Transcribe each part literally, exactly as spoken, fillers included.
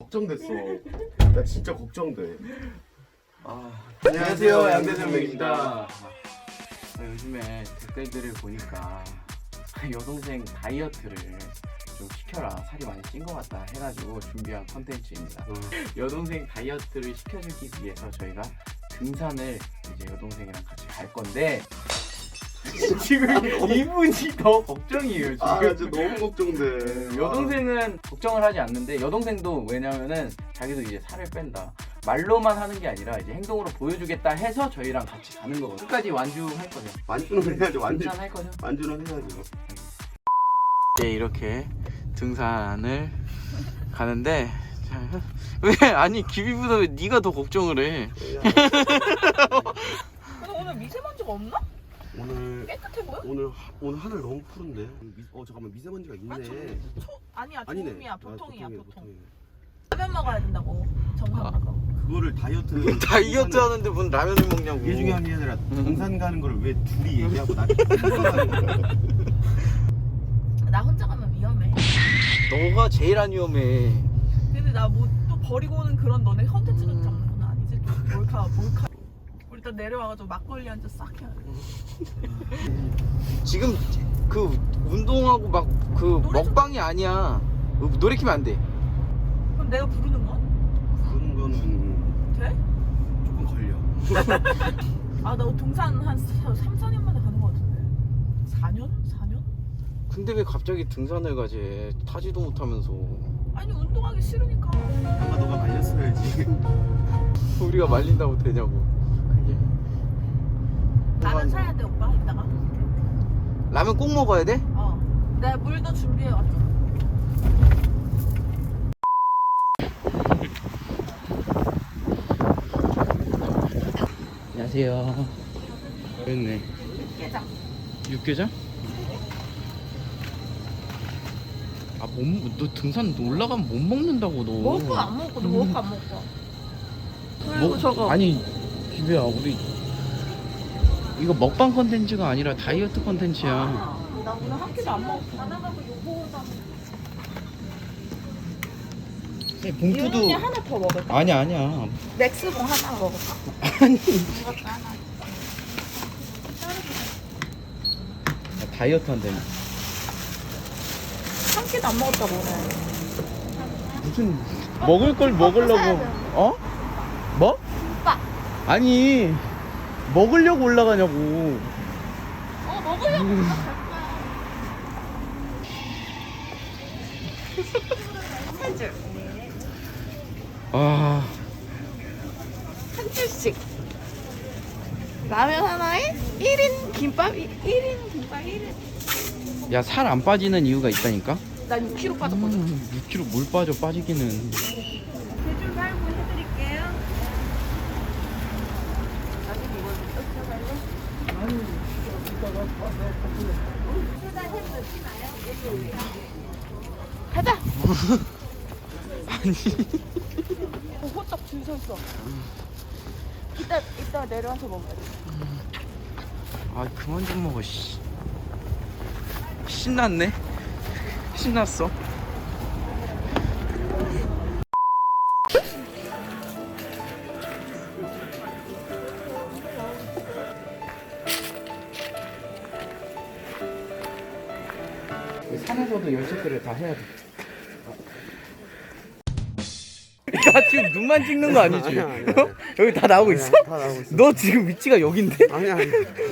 걱정됐어. 나 진짜 걱정돼. 아, 안녕하세요, 양대장맥입니다. 요즘에 댓글들을 보니까 여동생 다이어트를 좀 시켜라, 살이 많이 찐 것 같다 해가지고 준비한 컨텐츠입니다. 음. 여동생 다이어트를 시켜주기 위해서 저희가 등산을 이제 여동생이랑 같이 갈 건데 지금 이분이 더 걱정이에요. 지금 아, 진짜 너무 걱정돼. 여동생은 걱정을 하지 않는데, 여동생도 왜냐면은 자기도 이제 살을 뺀다, 말로만 하는 게 아니라 이제 행동으로 보여주겠다 해서 저희랑 같이 가는 거거든요. 끝까지 완주할 거죠. 완주는 해야죠. 완주. 등산할 거죠. 완주는 해야죠. 네, 이렇게 등산을 가는데 왜 아니 기비보다 왜 네가 더 걱정을 해? 근데 오늘 미세먼지가 없나? 오늘 깨끗해 보여? 오늘 하- 오늘 하늘 너무 푸른데. 미, 어 잠깐만 미세먼지가 있네. 아, 초, 초, 아니야 아니네. 조금이야 아, 보통이야 보통이네, 보통. 보통이네. 라면 먹어야 된다고 정상 가서. 그거를 다이어트 다이어트 하는데 무슨 라면을 먹냐고. 이게 중요한 게 아니라 등산 가는 거를 왜 둘이 얘기하고 나 나 혼자 가면 위험해. 너가 제일 안 위험해. 근데 나 뭐 또 버리고 오는 그런 너네 컨텐츠를 잡는 건 아니지? 또 몰카 몰카. 우리 일단 내려와가지고 막걸리 한 잔 싹 해야 돼. 지금 그 운동하고 막 그 노래 좀- 먹방이 아니야. 노래 키면 안 돼. 그럼 내가 부르는 건? 그런 거는 돼? 조금 걸려. 아 나 동산 한 삼, 사 년 만에 가는 거 같은데. 사 년? 사 년? 근데 왜 갑자기 등산을 가지? 타지도 못하면서. 아니 운동하기 싫으니까. 아마 너가 말렸어야지. 우리가 말린다고 되냐고. 그게. 라면 사야 돼 오빠 이따가. 라면 꼭 먹어야 돼? 어. 내가 물도 준비해 왔어. 안녕하세요. 그랬네. 깨장. 육개장? 아, 못, 너 등산 올라가면 못 먹는다고 너. 먹을 거안 먹고 너 먹을 거안 먹고. 그리고 뭐, 저거. 아니, 기배야, 우리 이거 먹방 컨텐츠가 아니라 다이어트 컨텐츠야. 아, 나 오늘 한 끼도 안 먹었어. 안 나가고 요거다. 봉투도 이윤이 하나 더 먹을까? 아니야, 아니야. 맥스봉 하나 먹을까? 아니. 이것도 하나. 다이어트 한다니. 한 끼도 안 먹었다고 오늘. 무슨 먹을 걸 먹으려고. 사야 돼. 어? 뭐? 오빠. 아니, 먹으려고 올라가냐고. 어 먹으려고. 한 줄. 아, 한 줄씩. 라면 하나에 일 인 김밥 일 인 김밥 일 인. 야, 살 안 빠지는 이유가 있다니까? 난 육 킬로그램 빠졌거든. 음, 육 킬로그램 뭘 빠져, 빠지기는. 대줄 살고 해드릴게요. 나중에 이걸 뜯어 갈래? 가자. 아니. 어, 호떡 줄 섰어. 이따 이따 내려와서 먹어야 돼. 아, 그만 좀 먹어, 씨. 신났네? 신났어. 산에서도 열쇠들을 다 해야 돼. 나 지금 눈만 찍는 거 아니지? 아니야, 아니야, 아니야. 어? 여기 다 나오고 있어? 다 나오고 있어. 너 지금 위치가 여긴데? 아니야 아니야.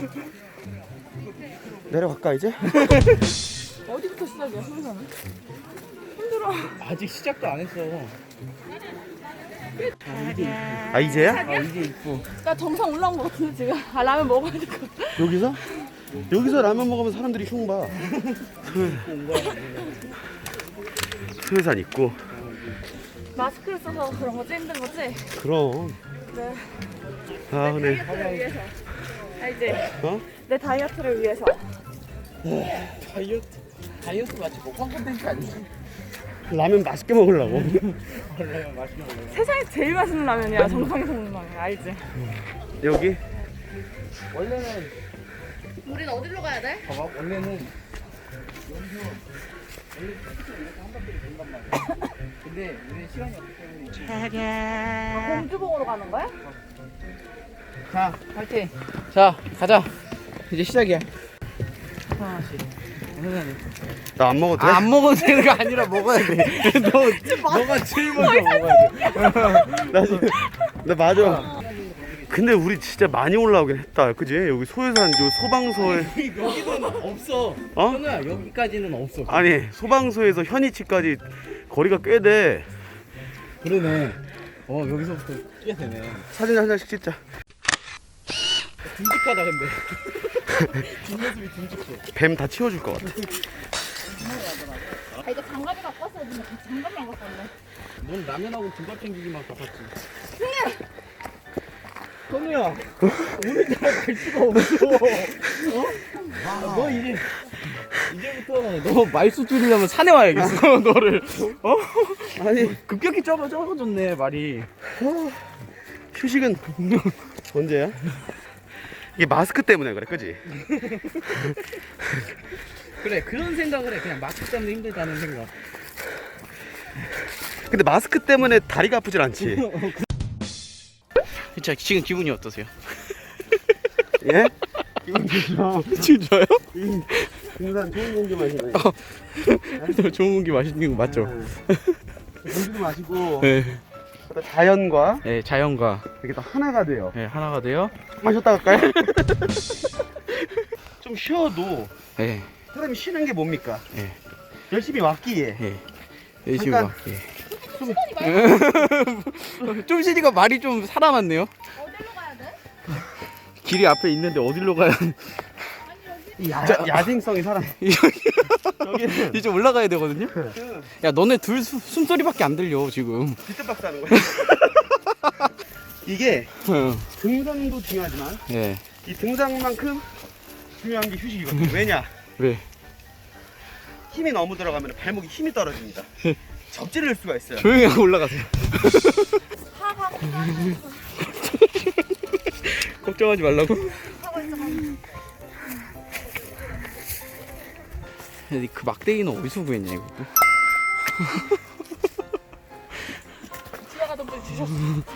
내려갈까 이제? 어디부터 시작이야, 순서는? 힘들어. 아직 시작도 안 했어. 아 이제야? 아, 이제 입고. 나 정상 올라온 거 같은데 지금. 아 라면 먹어야 될 것 같아. 여기서? 여기서 라면 먹으면 사람들이 흉 봐. 수혜산 있고. 마스크를 써서 그런 거지 힘든 거지? 그럼. 네. 아 네. 다이어트를 위해서. 알지? 어? 내 다이어트를 위해서. 다이어트. 다이어트 맞지? 먹방 콘텐츠 아니지? 라면 맛있게 먹으려고. 원래 맛있게 먹어요. 세상에 제일 맛있는 라면이야. 정상에서 먹는 라면 알지? 여기? 원래는 우린 어디로 가야 돼? 봐봐. 원래는 근데 우리 시간이 없기 때문에. 아, 공주봉으로 가는 거야? 자, 파이팅. 자, 가자. 이제 시작이야. 하나씩. 나 안 먹어도 돼? 아, 안 먹어도 되는 거 아니라 먹어야 돼. 너, 너가 제일 먼저 먹어야 돼. 나 지금 나 맞아. 근데 우리 진짜 많이 올라오긴 했다. 그지? 여기 소유산 요 소방서에 여기는 없어. 어? 현우야, 여기까지는 없어. 아니 소방서에서 현이치까지 거리가 꽤 돼. 그러네. 어, 여기서부터 꽤 되네. 사진 한 장씩 찍자. 듬직하다 근데. 뒷모습이 듬직해. 뱀 다 치워줄 것 같아. 아, 이거 장갑이 갖고 왔어야 되는데 장갑이 안 갖고 왔네. 넌 라면하고 등갑 챙기기만 바빴지. 현우야, 오늘따라 갈 수가 없어. 어? 아, 너 이제 이제부터 너 말수 줄이려면 산에 와야겠어. 너를. 어? 아니 급격히 적어 적어졌네 말이. 휴식은 언제야? 이게 마스크 때문에 그래, 그지? 그래, 그런 생각을 해. 그냥 마스크 때문에 힘들다는 생각. 근데 마스크 때문에 다리가 아프질 않지. 자, 지금 기분이 어떠세요? 예? 기분 좋죠. 지금 좋아요? 등산 좋은 공기 마시네. 좋은 공기 마시는 거 맞죠? 공기도 마시고 네. 자연과 네, 자연과 이렇게 다 하나가 돼요. 네, 하나가 돼요. 마셨다 갈까요? 좀 쉬어도 네, 사람이 쉬는 게 뭡니까? 네, 열심히 왔기에 네. 열심히 잠깐. 와. 예. 좀 쉬니까 말이 좀 살아났네요. 어디로 가야 돼? 길이 앞에 있는데 어디로 가야? 야, 야생성이 살아. 여기는 이제 올라가야 되거든요. 야, 너네 둘 수, 숨소리밖에 안 들려 지금. 비트박스 하는 거야. 이게 등산도 중요하지만 네. 이 등산만큼 중요한 게 휴식이거든요. 왜냐? 왜? 힘이 너무 들어가면 발목이 힘이 떨어집니다. 접지를 수가 있어요. 조용히 하고 올라가세요. 걱정하지 말라고. 근데 그 막대기는 어디서 구했냐 이거? 지나가던 분 주셨어.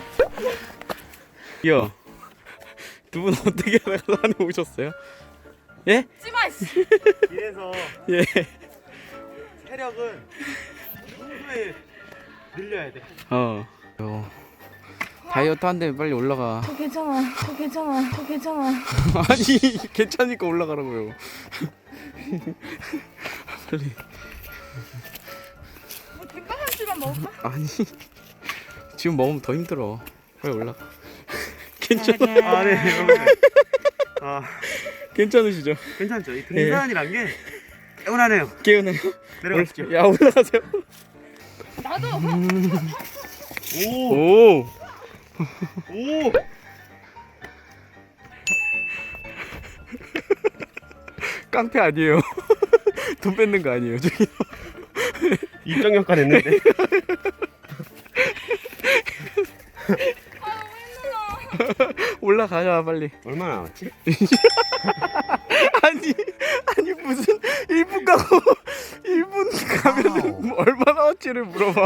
야, 두 분 어떻게 하다가 산에 오셨어요? 예? 찌마 씨. 이래서 예. 체력은 평소에 늘려야 돼. 어. 어. 다이어트 한데 빨리 올라가. 저 괜찮아. 저 괜찮아. 저 괜찮아. 아니 괜찮으니까 올라가라고요. 빨리. 뭐 김밥 한 줄만 먹을까? 아니 지금 먹으면 더 힘들어. 빨리 올라가. 괜찮아. 아, 네, 여러분. 아, 괜찮으시죠? 괜찮죠? 이 등산이란 게 개운하네요. 개운해요. 내려가시죠. 야 올라가세요. 나도. 오, 오. 오. 깡패 아니에요. 돈 뺏는 거 아니에요 저기. 입장 역할 했는데. 아, 너무 힘들어. 올라가자 빨리. 얼마나 남았지? 아니 아니 무슨 일 분 가고 일 분 가면은 얼마 나왔지를 물어봐.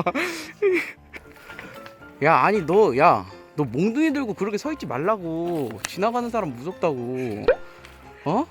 야 아니 너 야 너 몽둥이 들고 그렇게 서 있지 말라고. 지나가는 사람 무섭다고. 어?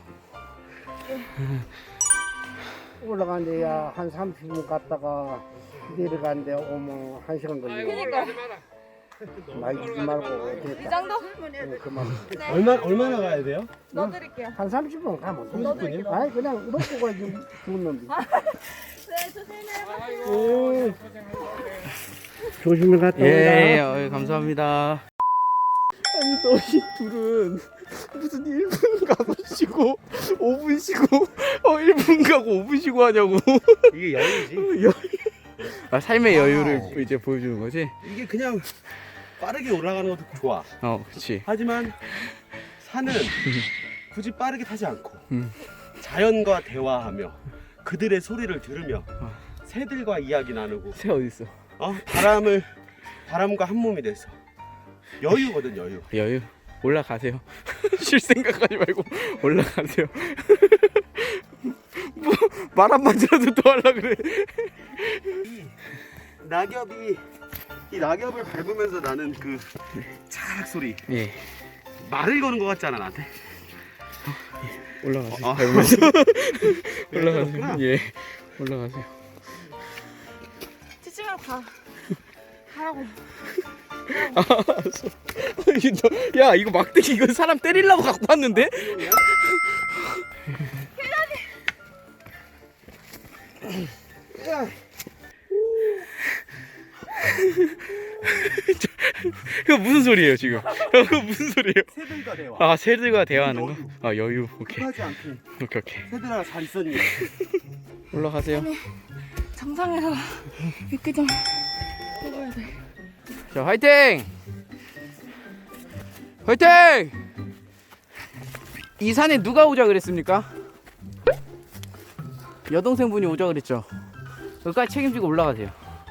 올라가는데 한 삼십 분 갔다가 내려가는데 어머 한 시간 걸리고 그니까. 많이 주지 말고 이 됐다. 정도? 어, 그만 얼마 얼마나 가야 돼요? 넣어드릴게요. 한 삼십 분 가면 돼. 넣어드릴게요. 아니 그냥 놓고 가야지 죽은 놈이. 네, 조심해요. 오. 조심히 갔다 온다. 예, 어, 감사합니다. 아니 너희 둘은 무슨 일 분 가고 쉬고 오 분 쉬고 어 일 분 가고 오 분 쉬고 하냐고. 이게 여유지. 여유. 아, 삶의 여유를 이제 보여주는 거지? 이게 그냥 빠르게 올라가는 것도 좋아. 어, 그렇지. 하지만 산은 굳이 빠르게 타지 않고 음. 자연과 대화하며 그들의 소리를 들으며 새들과 이야기 나누고 새 어디 있어? 어? 바람을 바람과 한 몸이 돼서 여유거든 여유. 여유. 올라가세요. 쉴 생각하지 말고 올라가세요. 말 한마디라도 더 하려 그래. 낙엽이 이 낙엽을 밟으면서 나는 그 차락 소리. 예. 말을 거는 것 같지 않아 나한테? 올라가세요. 어, 밟으면서. 네, 올라가세요. 예. 올라가세요. 치지 말고 가. 가라고. 아, 알았어. 이거 너- 야, 이거 막대기 이거 사람 때리려고 갖고 왔는데? 그거 무슨 소리예요 지금? 그거 무슨 소리예요? 새들과 대화. 아, 새들과 대화하는 거? 아, 여유. 오케이. 하지 않게. 오케이, 오케이. 새들아 잘 있었니? 올라가세요. 정상에서 육개장 먹어야 돼. 자, 화이팅! 화이팅! 이 산에 누가 오자 그랬습니까? 여동생분이 오자 그랬죠. 여기까지 책임지고 올라가세요.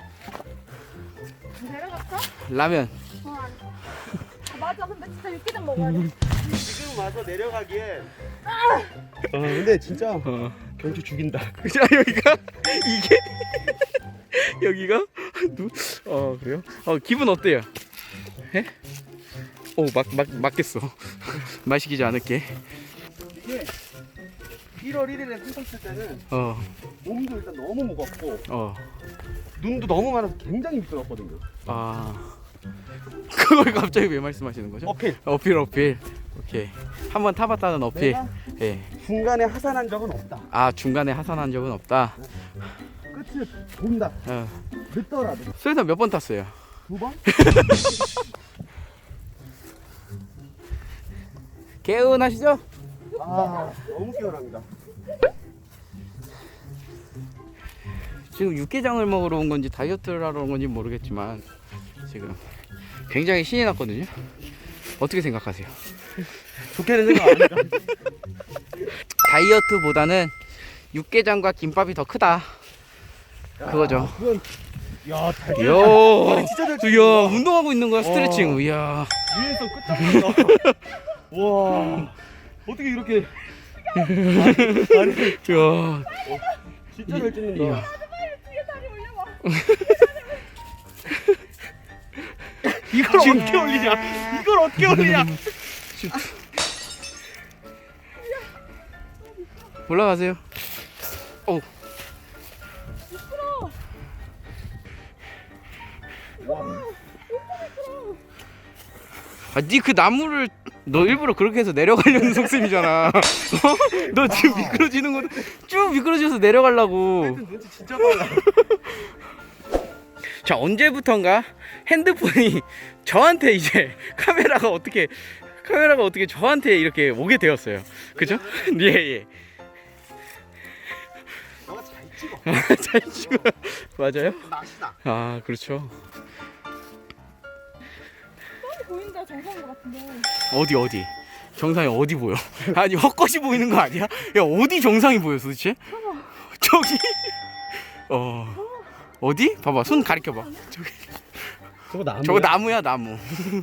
내려갈까? 라면. 어, 안 돼. 아, 맞아. 근데 진짜 육개장 먹어야 돼. 지금 와서 내려가기에. 아 근데 진짜 어. 경치 죽인다. 자, 여기가 이게 여기가 누? 어, 그래요? 어, 기분 어때요? 해? 오, 막, 막, 맞겠어. 마시기지 않을게. 이게 일월 일일에 산 탔을 때는 어, 몸도 일단 너무 무겁고 어. 눈도 너무 많아서 굉장히 미끄럽거든요. 아, 그걸 갑자기 왜 말씀하시는 거죠? 어필. 어필, 어필. 오케이. 한번 타봤다는 어필. 내가 예. 중간에 하산한 적은 없다. 아, 중간에 하산한 적은 없다. 끝을 본다. 어. 늦더라도 수에서 몇 번 탔어요? 두 번? 개운하시죠? 아 너무 깨어납니다. 지금 육개장을 먹으러 온 건지 다이어트를 하러 온 건지 모르겠지만 지금 굉장히 신이 났거든요. 어떻게 생각하세요? 좋게는 생각 안 합니다. 다이어트보다는 육개장과 김밥이 더 크다. 그거죠. 그건 야 달. 이야, 머리 진짜 잘 이야, 운동하고 있는 거야, 스트레칭. 이야. 위에서 끝장난다. 와 어떻게 이렇게 아니, 아니 이야. 진짜 잘 찍는다. 이야. 이걸 어떻게 올리냐? 이걸 어떻게 올리냐? 올라가세요. 오. 아, 니 그 나무를 너 일부러 그렇게 해서 내려가려는 속셈이잖아. 어? 너 지금 미끄러지는 거쭉 미끄러져서 내려가려고. 눈치 진짜 빨라. 자, 언제부턴가 핸드폰이 저한테 이제 카메라가 어떻게 카메라가 어떻게 저한테 이렇게 오게 되었어요. 그죠? 예, 예. 너가 잘 찍어. 잘 찍어. 맞아요? 맛이 나. 아, 그렇죠. 보인다 정상인 것 같은데. 어디 어디? 정상이 어디 보여? 아니, 헛것이 보이는 거 아니야? 야, 어디 정상이 보여 도대체? 저기. 어. 어디? 봐봐, 손 가리켜 봐. 저기. 저거 나무. 저거 나무야, 나무.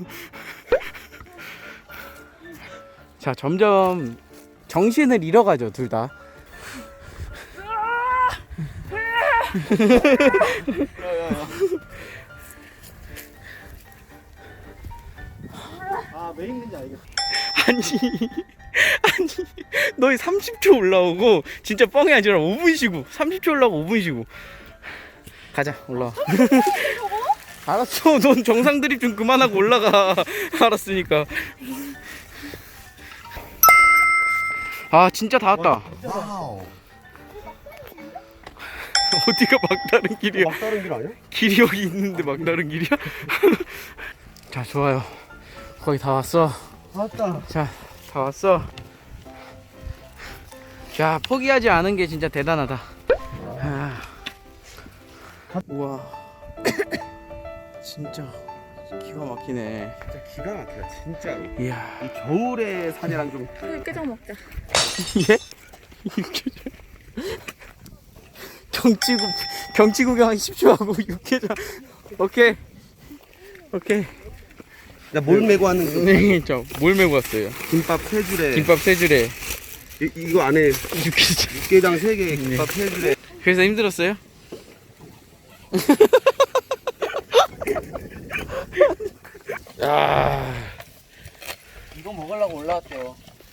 자, 점점 정신을 잃어가죠, 둘 다. 아, 왜 힘든지 알겠어. 아니, 아니, 너희 삼십 초 올라오고 진짜 뻥이 아니라 오 분 쉬고, 삼십 초 올라오고 오 분 쉬고. 가자, 올라와. 알았어, 넌 정상 드립 좀 그만하고 올라가. 알았으니까. 아, 진짜 다 왔다. 와우. 어디가 막다른 길이야? 막다른 길 아니야? 길이 여기 있는데 막다른 길이야? 자, 좋아요. 거의 다 왔어. 맞다. 자, 다 왔어. 자, 포기하지 않은 게 진짜 대단하다. 아. 우와. 진짜 기가 막히네. 진짜 기가 막히다 진짜로. 이야. 이 겨울의 산이랑 좀 육개장 먹자. 예? 경치구 경치 구경 한 십 초 하고 육개장. 오케이. 오케이. 나 뭘 메고 왔는지. 네, 저뭘 메고 왔어요? 김밥 세 줄에 김밥 세 줄에 이, 이거 안에 육개장. 육개장 세 개 김밥 세 줄에. 그래서 힘들었어요? 야, 이거 먹으려고 올라왔대요.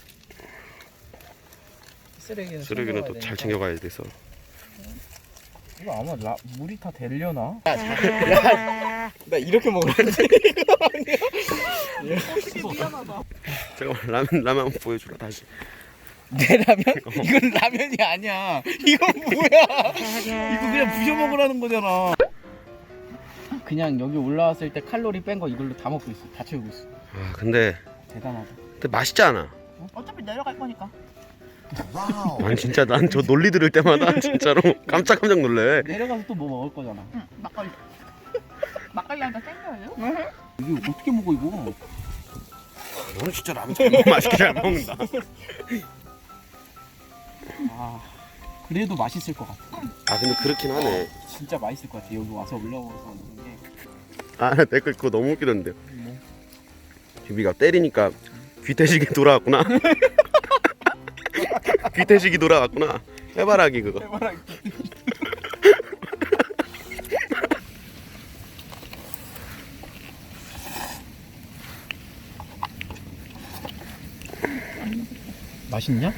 쓰레기는 쓰레기는 또 잘 챙겨가야 돼서. 이거 아마 라, 물이 다 되려나? 야, 야, 나 이렇게 먹으려는데 이거 아니야? 어떻게 미안하다. 잠깐만 라면 라면 한번 보여주라 다시. 내 라면? 이건 라면이 아니야. 이건 뭐야? 이거 그냥 부셔 먹으라는 거잖아. 그냥 여기 올라왔을 때 칼로리 뺀 거 이걸로 다 먹고 있어. 다 채우고 있어. 아 근데 대단하다. 근데 맛있지 않아? 어차피 내려갈 거니까. 아니 진짜 난 저 논리 들을 때마다 진짜로 깜짝깜짝 놀래. 내려가서 또 뭐 먹을 거잖아. 응, 막걸리. 막걸리 한 잔 땡겨요? 이게 어떻게 먹어 이거? 너는 진짜 라면 정말 맛있게 잘 먹는다. 아 그래도 맛있을 것 같아. 아 근데 그렇긴 하네. 진짜 맛있을 것 같아. 여기 와서 올라와서 먹는 게. 아 댓글 그거 너무 웃기던데. 비비가 때리니까 귀태식이 돌아왔구나. 귀태식이 돌아왔구나. 해바라기 그거. 해바라기. 맛있냐?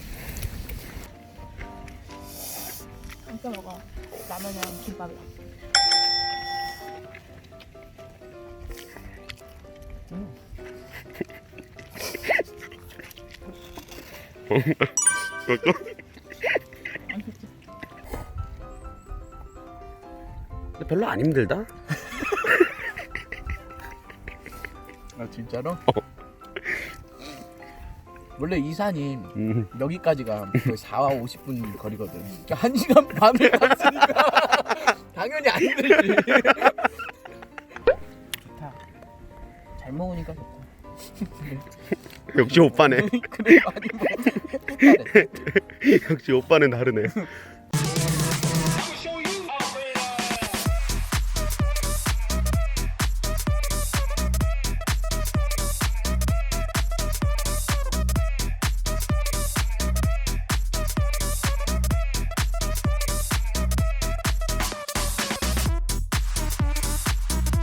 진짜 먹어. 라면이랑 김밥이랑. 근데 별로 안 힘들다. 아 진짜로? 원래 이 산이 음. 여기까지가 거의 사와 오십 분 거리거든. 그러니까 한 시간 반을 갔으니까 당연히 안 들지. 좋다. 잘 먹으니까 좋다. 역시 오빠네. 그래 많이 먹어. 역시 오빠는 다르네.